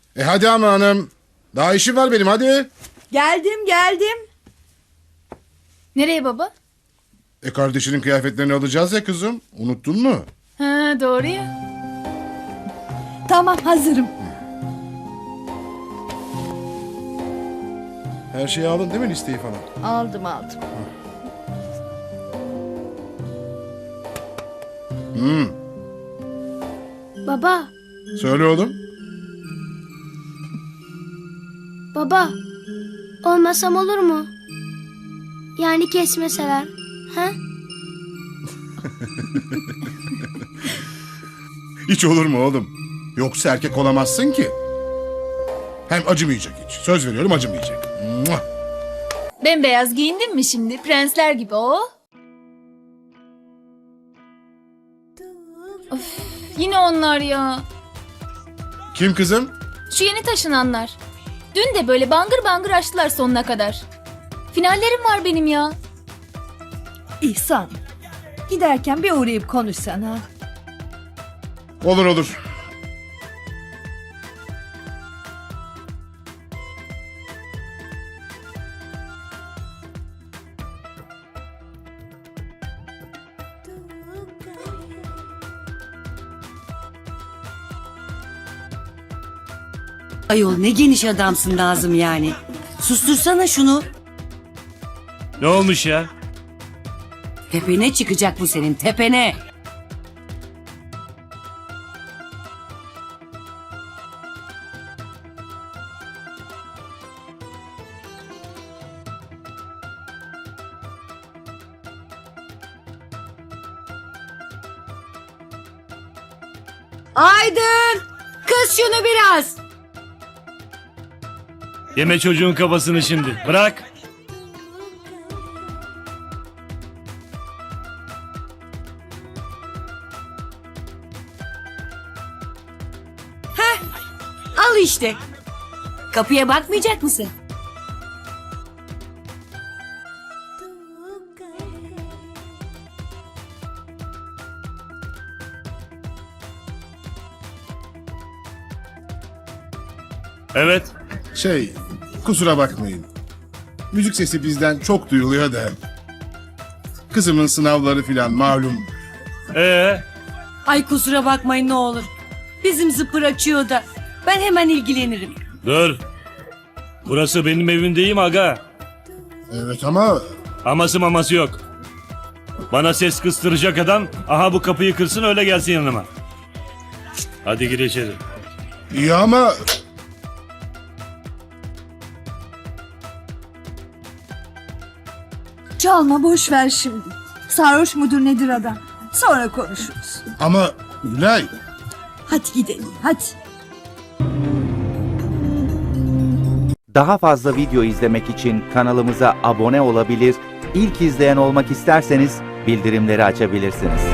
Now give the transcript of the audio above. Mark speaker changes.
Speaker 1: Hadi ama hanım. Daha işim var benim, hadi.
Speaker 2: Geldim.
Speaker 3: Nereye baba?
Speaker 1: Kardeşinin kıyafetlerini alacağız ya kızım. Unuttun mu?
Speaker 3: Ha, doğru ya.
Speaker 2: Tamam, hazırım.
Speaker 1: Her şeyi aldın değil mi, listeyi falan?
Speaker 2: Aldım.
Speaker 4: Baba,
Speaker 1: Söyle oğlum.
Speaker 4: baba. Olmasam olur mu? Yani kesmeseler. Ha?
Speaker 1: Hiç olur mu oğlum? Yoksa erkek olamazsın ki. Hem acımayacak hiç. Söz veriyorum, acımayacak. Muah!
Speaker 3: Bembeyaz giyindin mi şimdi? Prensler gibi o. Of, yine onlar ya.
Speaker 1: Kim kızım?
Speaker 3: Şu yeni taşınanlar. Dün de böyle bangır bangır açtılar sonuna kadar. Finallerim var benim ya.
Speaker 2: İhsan, giderken bir uğrayıp konuşsana.
Speaker 1: Olur.
Speaker 5: Ayol ne geniş adamsın Nazım yani. Sustursana şunu.
Speaker 6: Ne olmuş ya?
Speaker 5: Tepene çıkacak bu senin, tepene. Aydın! Kız şunu biraz.
Speaker 6: Yeme çocuğun kafasını şimdi. Bırak.
Speaker 5: Al işte. Kapıya bakmayacak mısın?
Speaker 6: Evet.
Speaker 1: Kusura bakmayın. Müzik sesi bizden çok duyuluyor da. Kızımın sınavları filan malum.
Speaker 5: Ay kusura bakmayın ne olur. Bizim zıpır açıyor da. Ben hemen ilgilenirim.
Speaker 6: Dur. Burası benim evim değil mi aga?
Speaker 1: Evet ama
Speaker 6: Aması maması yok. Bana ses kıstıracak adam aha bu kapıyı kırsın öyle gelsin yanıma. Hadi gir içeri.
Speaker 1: iyi ama...
Speaker 2: Çalma, boş ver şimdi. Sarhoş mudur nedir adam? Sonra konuşuruz.
Speaker 1: Ama Gülay...
Speaker 2: Hadi gidelim, hadi.
Speaker 7: Daha fazla video izlemek için kanalımıza abone olabilir, ilk izleyen olmak isterseniz bildirimleri açabilirsiniz.